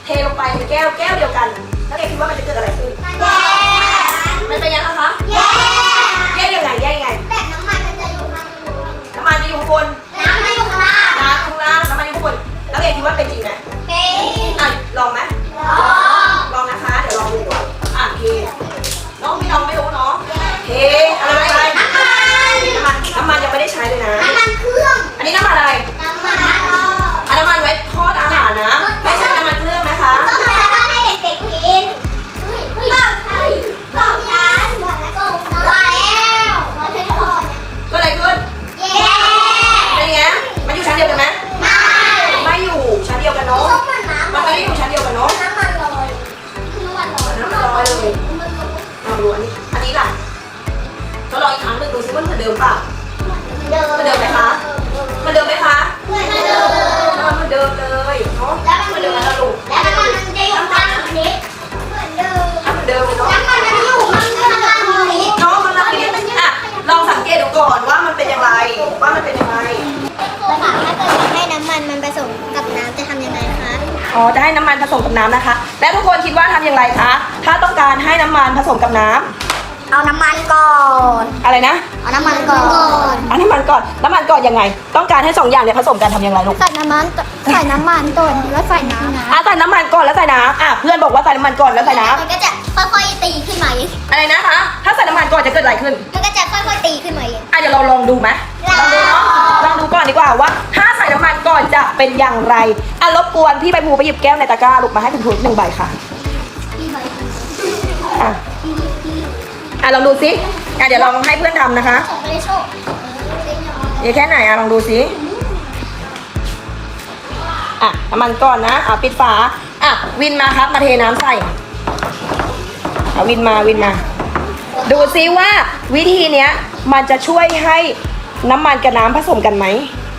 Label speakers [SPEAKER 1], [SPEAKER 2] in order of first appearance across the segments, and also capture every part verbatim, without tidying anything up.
[SPEAKER 1] เทลงไปในแก้วแก้วเดียวกันแล้วเด็กคิดว่ามันจะเกิดอะไรขึ้นมันเป็นยังไงคะแยกยังไงแยกยังไงแบบน้ำมันมันจะอยู่ข้างบนน้ำมันจะอยู่ข้างบนน้ำมันอยู่ข้างล่างน้ำข้างล่างน้ำมันอยู่ข้างบนแล้วเด็กคิดว่าเป็นจริงไหมเป็นอ่ะลองไหมลองลองนะคะเดี๋ยวลองดูก่อนอ่ะเทน้องพี่น้องไม่รู้เนาะเทอะไรอะไรน้ำมันน้ำมันยังไม่ได้ใช้เลยนะน้ำมันเครื่องอันนี้น้ำมันอะไรน้ำมันอันน้ำมันไว้ทอดอาหารนะไม่ใช่น้ำมันเครื่องนะคะต้องมาทำให้เด็กๆกินต้องใช้ต้องใช้หมดแล้วก็มาแล้วมาใช้ทอดก็อะไรขึ้นเย้เป็นไงมันอยู่ชั้นเดียวกันไหมไม่ไม่อยู่ชั้นเดียวกันเนาะมันไม่ได้อยู่ชั้นเดียวกันเนาะน้ำมันลอยน้ำมันลอยน้ำมันลอยเลยลองดูอันนี้อันนี้ล่ะก็ลองอีกครั้งหนึ่งดูซิว่ามันเหมือนเดิมเปล่าเหมือนเดิมไหมคะเหมือนเดิมไหมคะเหมือนเดิมเหมือนเดิมเลยเนาะแล้วมันเหมือนเดิมแล้วลูกแล้วมันมันจะอยู่ข้างนี้เหมือนเดิมเหมือนเดิมเลยเนาะแล้วมันจะอยู่ข้างนี้เนาะมันละนี้อ่ะลองสังเกตดูก่อนว่ามันเป็นอย่างไรว่ามันเป็นยังไง
[SPEAKER 2] แล้วถามถ้าเกิดให้น้ำมันมันผสมกับน้ำจะทำยังไงคะ
[SPEAKER 1] อ๋อจะให้น้ำมันผสมกับน้ำนะคะและทุกคนคิดว่าทำอย่างไรคะถ้าต้องการให้น้ำมันผสมกับน้ำ
[SPEAKER 2] เอาน้ำมันก่อน
[SPEAKER 1] อะไรนะ
[SPEAKER 2] เอาน้ำมันก่อน
[SPEAKER 1] เอาน้ำมันก่อนน้ำมันก่อนยังไงต้องการให้สองอย่างเนี่ยผสมกันทำอย่างไรลูก
[SPEAKER 2] ใส่น้ำมันใส่น้ำมันก่อนแล้วใส่น้ำนะ
[SPEAKER 1] อ่ะใส่น้ำมันก่อนแล้วใส่น้ำอ่ะเพื่อนบอกว่าใส่น้ำมันก่อนแล้วใส่น้ำ
[SPEAKER 2] มันก็จะค่อยๆตีขึ้นมาเอง
[SPEAKER 1] อะไรนะคะถ้าใส่น้ำมันก่อนจะเกิดอะไรขึ้น
[SPEAKER 2] มันก็จะค่อยๆตีขึ้นมาเอง
[SPEAKER 1] อ่ะเดี๋ยวเราลองดูไหมลองดูเนาะลองดูก่อนดีกว่าว่าถ้าใส่น้ำมันก่อนจะเป็นอย่างไรอ่ะรบกวนพี่ใบภูไปหยิบแก้วในตะกร้าลูกมาให้คุณครูหนึ่งใบค่ะอ่ะอ่ะลองดูสิอ่ะเดี๋ยวลองให้เพื่อนทำนะคะเดี๋ยวแค่ไหนอ่ะลองดูสิอ่ะน้ำมันก่อนนะอ่ะปิดฝาอ่ะวินมาครับมาเทน้ำใส่อ่ะวินมาวินมาดูซิว่าวิธีเนี้ยมันจะช่วยให้น้ำมันกับน้ำผสมกันไหม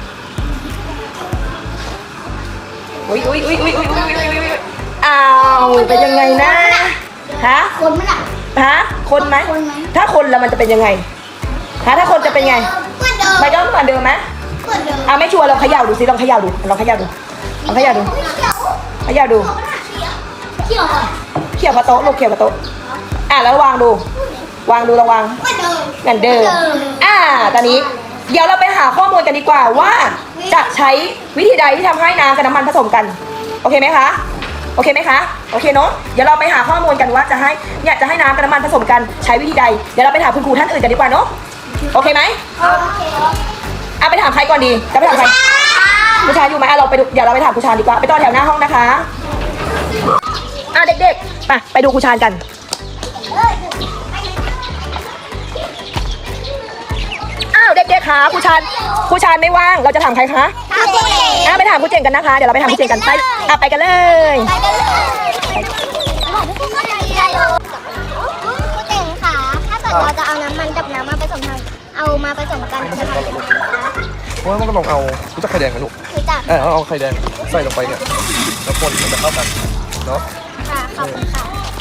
[SPEAKER 1] อุ้ยอุ้ยอุ้ยอุ้ยอุ้ยอุ้ยอุ้ยอุ้ยอ้าวเป็นยังไงนะฮะ
[SPEAKER 2] คนไหมล่ะ
[SPEAKER 1] ฮะคนไหมถ้าคนแล้วมันจะเป็นยังไงฮะถ้าคนจะเป็นไงไม่ต้องเหมือนเดิมไหมอ่ะไม่ชัวร์ลองเขย่าดูสิลองเขย่าดูลองเขย่าดูลองเขย่าดูเขย่าดู
[SPEAKER 2] เขี่ยว
[SPEAKER 1] เขี่ยวพะโต๊ะลูกเขี่ยวพะโต๊ะอ่ะแล้ววางดูวางดูระวังเหมือนเดิมอ่าตอนนี้เดี๋ยวเราไปหาข้อมูลกันดีกว่าว่าจะใช้วิธีใดที่ทำให้น้ำกับน้ำมันผสมกันโอเคไหมคะโอเคไหมคะโอเคเนาะเดี๋ยวเราไปหาข้อมูลกันว่าจะให้เนี่ยจะให้น้ำกับน้ำมันผสมกันใช้วิธีใดเดี๋ยวเราไปถามคุณครูท่านอื่นกันดีกว่าเนาะโอเคไหมเอาไปถามใครก่อนดีจะไปถามใครผู้ชายอยู่ไหมเราไปดูเดี๋ยวเราไปถามผู้ชายดีกว่าไปต่อแถวหน้าห้องนะคะอ่ะเด็กๆไปไปดูผู้ชายกันอ้าวเด็กๆคะผู้ชายผู้ชายไม่ว่างเราจะถามใครคะอ่ะไปถามผู้เจงกันนะคะเดี๋ยวเราไปถามผู้เจงกันไปอ่ะไปกันเลย
[SPEAKER 2] ไปกันเลยผู้เจงค่ะถ้าเกิดเราจะเอาน้ำมันกับน้ำมาผสมกันเอามาผสมกันจะทำยังไงคะ
[SPEAKER 3] เพราะว่ามันก็ลองเอารู้จักไข่แดงไหมลูก
[SPEAKER 2] รู้จัก
[SPEAKER 3] เออเอาไข่แดงใส่ลงไปเนี่ยแล้วคนมันจะเข้ากันเนาะ
[SPEAKER 2] ค่ะขอบคุณค่ะ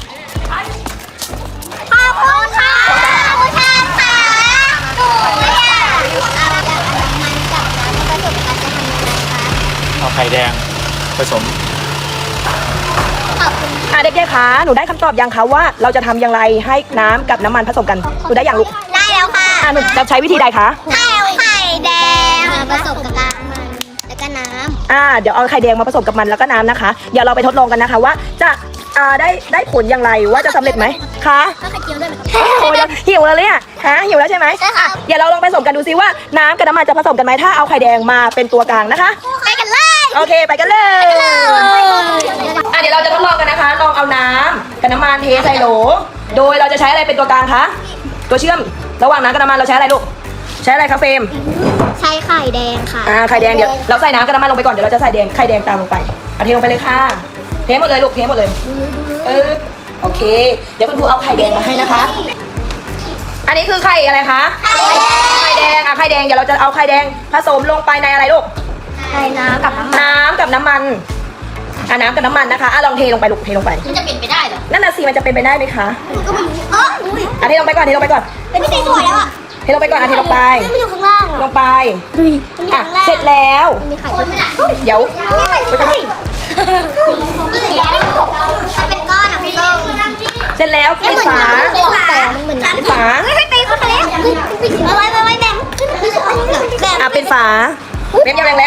[SPEAKER 2] ขอบคุณค่ะผู้ชายค่ะหนูเนี่ยเอาน้ำมันกับน้ำมาผสมกันจะทำยังไงคะ
[SPEAKER 3] เอาไข่แดงผสม
[SPEAKER 2] ขอบคุณ
[SPEAKER 1] อ่ะเด็กๆคะหนูได้คำตอบยังคะว่าเราจะทำอย่างไรให้น้ำกับน้ำมันผสมกันหนูได้อย่างลูก
[SPEAKER 2] ได้แล้วค่ะ
[SPEAKER 1] อ่ะหนูจะใช้วิธีใดคะ
[SPEAKER 2] เอาไข่แดงมาผสมกับน้ำมันแล้วก็น้ำ
[SPEAKER 1] อ่าเดี๋ยวเอาไข่แดงมาผสมกับมันแล้วก็น้ำนะคะเดี๋ยวเราไปทดลองกันนะคะว่าจะอ่าได้ได้ผลอย่างไรว่าจะสำเร็จไหมคะ
[SPEAKER 2] ก็ไข่เจียวด้วยไหม
[SPEAKER 1] โอ้ยหิวแล้วเนี่ยฮะหิวแล้วใช่ไหมใช่ค่ะเดี๋ยวเราลองไปผสมกันดูซิว่าน้ำกับน้ำมันจะผสมกันไหมถ้าเอาไข่แดงมาเป็นตัวกลางนะคะ
[SPEAKER 2] ไปกันเลย
[SPEAKER 1] โอเคไปกันเลยอ่ะเดี๋ยวเราจะทดลองกันนะคะลองเอาน้ำกับน้ำมันเทใส่โหลโดยเราจะใช้อะไรเป็นตัวกลางคะตัวเชื่อมระหว่างน้ำกับน้ำมันเราใช้อะไรลูกใช้อะไรคะเฟรม
[SPEAKER 2] ใช้ไข่แดงค่ะ
[SPEAKER 1] อ่าไข่แดงเดี๋ยวเราใส่น้ำกับน้ำมันลงไปก่อนเดี๋ยวเราจะใส่แดงไข่แดงตามลงไปเอาเทลงไปเลยค่ะเทหมดเลยลูกเทหมดเลยเออโอเคเดี๋ยวคุณครูเอาไข่แดงมาให้นะคะอันนี้คือไข่อะไรคะไข่แดงอ่ะไข่แดงเดี๋ยวเราจะเอาไข่แดงผสมลงไปในอะไรลูก
[SPEAKER 2] ใส่น้ำกับน้ำมัน
[SPEAKER 1] น้ำกับน้ำมันอ่ะน้ำกับน้ำมันนะคะอ่ะลองเทลงไปลูกเทลงไป
[SPEAKER 2] มันจะเป็นไปได้เหรอ
[SPEAKER 1] นั่นน่ะสิมันจะเป็นไปได้ไหมคะ
[SPEAKER 2] ก็มันอ๋อ
[SPEAKER 1] อ่ะเทลงไปก่อนเทลงไปก่อน
[SPEAKER 2] เป็นที่สวยแล้วอ่ะ
[SPEAKER 1] เทลงไปก่อนอ่ะเทลงไป
[SPEAKER 2] มันอยู่ข้างล่าง
[SPEAKER 1] ลงไปอ่ะเสร็จแล้ว
[SPEAKER 2] มีไข่คนไหมล่ะ
[SPEAKER 1] เดี๋ยว
[SPEAKER 2] ไปกันเลยถ้าเป็นก้อนอ่ะพี่ต้อง
[SPEAKER 1] เสร็จแล้วปิดฝา
[SPEAKER 2] เป็นฝาเหมือน
[SPEAKER 1] ปิดฝา
[SPEAKER 2] ไม่ตีเข้าไปแล้วเอาไว้ไว้ไว้แบ่งแบ่ง
[SPEAKER 1] อ่ะปิดฝาเม็ดยาแรง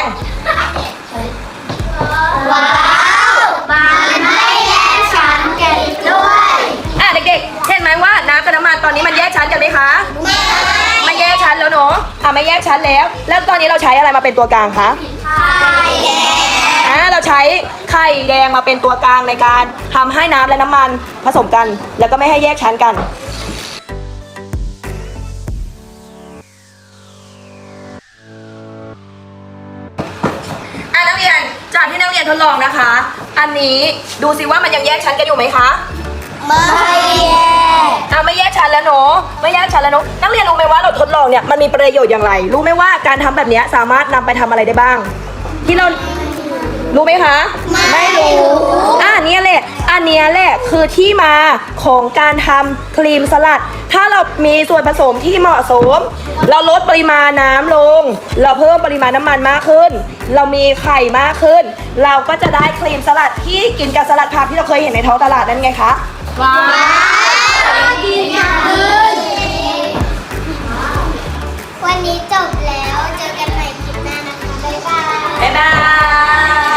[SPEAKER 2] ว้าวมันไม่แยกชั้นกันด้วย
[SPEAKER 1] ๆอ่ะเด็กๆเห็นไหมว่าน้ำกับน้ำมันตอนนี้มันแยกชั้นกันไหมคะ
[SPEAKER 2] ไม่
[SPEAKER 1] ไม่แยกชั้นแล้วเนาะอ่ะไม่แยกชั้นแล้ว แล้วตอนนี้เราใช้อะไรมาเป็นตัวกลางคะ
[SPEAKER 2] ไข่แดง
[SPEAKER 1] อ่าเราใช้ไข่แดงมาเป็นตัวกลางในการทำให้น้ำและน้ำมันผสมกัน แล้วก็ไม่ให้แยกชั้นกันอ่ะนักเรียนจากที่นักเรียนทดลองนะคะ อันนี้ดูสิว่ามันยังแยกชั้นกันอยู่ไหมคะ
[SPEAKER 2] ไม่แยก
[SPEAKER 1] อ่ะไม่แยกชั้นแล้วเนาะไม่แยกชั้นแล้วเนาะนักเรียนรู้ไหมว่าเราทดลองเนี่ยมันมีประโยชน์อย่างไร รู้ไหมว่าการทำแบบเนี้ยสามารถนำไปทำอะไรได้บ้าง ที่เรารู้ไหมคะไม่รู้อ่ะเนี่ยแหละอันเนี้ยแหละคือที่มาของการทำครีมสลัด ถ้าเรามีส่วนผสมที่เหมาะสม เราลดปริมาณน้ำลง เราเพิ่มปริมาณน้ำมันมากขึ้น เรามีไข่มากขึ้น เราก็จะได้ครีมสลัดที่กินกับสลัดผักที่เราเคยเห็นในท้องตลาดนั่นไงคะว้าว
[SPEAKER 2] กินขึ้นวันนี้จบแล้วเจอกันใหม่คลิปหน้านะคะบ๊ายบาย
[SPEAKER 1] บ๊ายบาย